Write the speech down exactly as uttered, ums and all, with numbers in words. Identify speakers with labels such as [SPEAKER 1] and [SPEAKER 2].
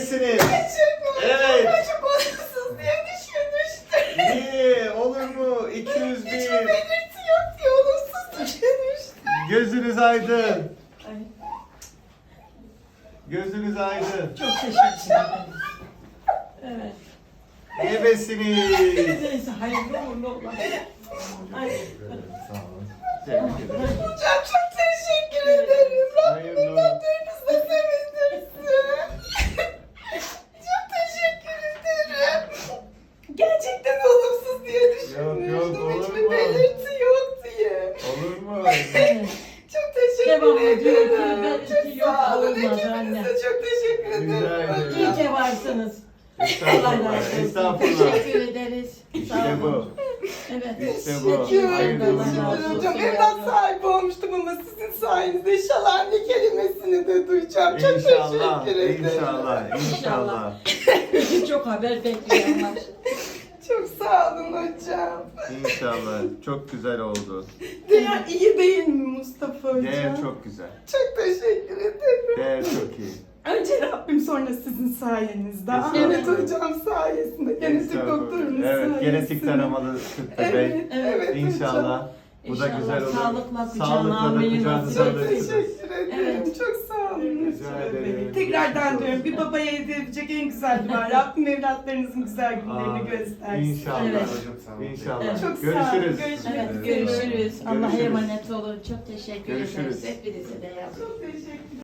[SPEAKER 1] Evet.
[SPEAKER 2] Ama çok olumsuz diye düşünmüştüm.
[SPEAKER 1] İyi, olur mu? iki yüz
[SPEAKER 2] Hiç
[SPEAKER 1] bin.
[SPEAKER 2] belirti yok diye olumsuz düşünmüştüm.
[SPEAKER 1] Gözünüz aydın.
[SPEAKER 3] Ay,
[SPEAKER 1] Gözünüz aydın.
[SPEAKER 3] çok teşekkür ederim. Evet.
[SPEAKER 1] Yemesiniz.
[SPEAKER 3] Neyse hayırlı uğurlu olsun. Ay,
[SPEAKER 1] Sağ olun. Tebrik ederim.
[SPEAKER 2] Hocam çok teşekkür ederim. Rabbim
[SPEAKER 1] Hayırlı olsun.
[SPEAKER 2] inandığınızda sevindirsin. Çok teşekkür ederim. Gerçekten olumsuz diye düşünmüştüm.
[SPEAKER 1] Yok, yok, olur
[SPEAKER 2] Hiçbir
[SPEAKER 1] mu?
[SPEAKER 2] belirti yok diye.
[SPEAKER 1] Olur mu?
[SPEAKER 3] evet.
[SPEAKER 2] Çok teşekkür
[SPEAKER 3] Devam ediyor ki
[SPEAKER 2] ederim.
[SPEAKER 3] belirti
[SPEAKER 2] Çok
[SPEAKER 3] yok,
[SPEAKER 2] sağ olun.
[SPEAKER 3] olmadı
[SPEAKER 2] İkinize
[SPEAKER 3] anne.
[SPEAKER 2] çok teşekkür
[SPEAKER 1] Rica
[SPEAKER 2] ederim.
[SPEAKER 1] ederim.
[SPEAKER 3] İyi ki varsınız. Allah
[SPEAKER 1] Estağfurullah.
[SPEAKER 3] razı olsun.
[SPEAKER 1] Estağfurullah.
[SPEAKER 3] Teşekkür ederiz. Sağ
[SPEAKER 1] İşte bu.
[SPEAKER 3] olun. Evet.
[SPEAKER 1] İşte bu.
[SPEAKER 2] Teşekkür
[SPEAKER 1] Hayırlı
[SPEAKER 2] ederim
[SPEAKER 1] uğurlu olsun.
[SPEAKER 2] hocam. Evlat sahibi olmuştum ama sizin sayenizde inşallah anne kelimesini de duyacağım. Çok
[SPEAKER 1] İnşallah.
[SPEAKER 2] teşekkür ederim.
[SPEAKER 1] İnşallah. İnşallah.
[SPEAKER 3] Bizi çok haber bekliyorlar.
[SPEAKER 2] Çok sağ olun hocam.
[SPEAKER 1] İnşallah. Çok güzel oldu.
[SPEAKER 2] Değer iyi değil mi Mustafa hocam?
[SPEAKER 1] Değer çok güzel.
[SPEAKER 2] Çok teşekkür ederim.
[SPEAKER 1] Değer çok iyi.
[SPEAKER 2] Önce Rabbim sonra sizin sayenizde.
[SPEAKER 1] Estağfurullah.
[SPEAKER 2] Ahmet hocam sayesinde. Genetik
[SPEAKER 1] Estağfurullah.
[SPEAKER 2] doktorunuz
[SPEAKER 1] Evet,
[SPEAKER 2] sayesinde.
[SPEAKER 1] genetik taramalı tıp bebek.
[SPEAKER 2] Evet,
[SPEAKER 3] Evet.
[SPEAKER 2] evet
[SPEAKER 1] İnşallah.
[SPEAKER 2] hocam.
[SPEAKER 1] Bu da
[SPEAKER 3] İnşallah
[SPEAKER 1] güzel olur.
[SPEAKER 3] sağlıkla kucağına
[SPEAKER 1] Sağlıkla da
[SPEAKER 3] almayı
[SPEAKER 1] kucağınıza
[SPEAKER 3] nasip
[SPEAKER 2] Çok
[SPEAKER 3] etsin.
[SPEAKER 1] alırsınız.
[SPEAKER 2] teşekkür ederim.
[SPEAKER 3] Evet.
[SPEAKER 2] Çok sağ olun.
[SPEAKER 1] Rica ederim.
[SPEAKER 2] Tekrardan
[SPEAKER 1] Geçmiş
[SPEAKER 2] diyorum bir
[SPEAKER 1] olsun.
[SPEAKER 2] babaya hediye edecek en güzel dua. Rabbim evlatlarınızın güzel günlerini
[SPEAKER 1] Aa,
[SPEAKER 2] göstersin.
[SPEAKER 1] İnşallah.
[SPEAKER 3] Evet.
[SPEAKER 1] İnşallah.
[SPEAKER 3] Evet.
[SPEAKER 2] Çok sağ olun.
[SPEAKER 1] Görüşürüz.
[SPEAKER 2] Görüşmek
[SPEAKER 3] Evet,
[SPEAKER 2] üzere.
[SPEAKER 3] görüşürüz. Allah'a
[SPEAKER 1] Görüşürüz.
[SPEAKER 3] emanet olun. Çok teşekkür
[SPEAKER 1] Görüşürüz.
[SPEAKER 3] ederiz. Hepinize de yavrum.
[SPEAKER 2] Çok teşekkür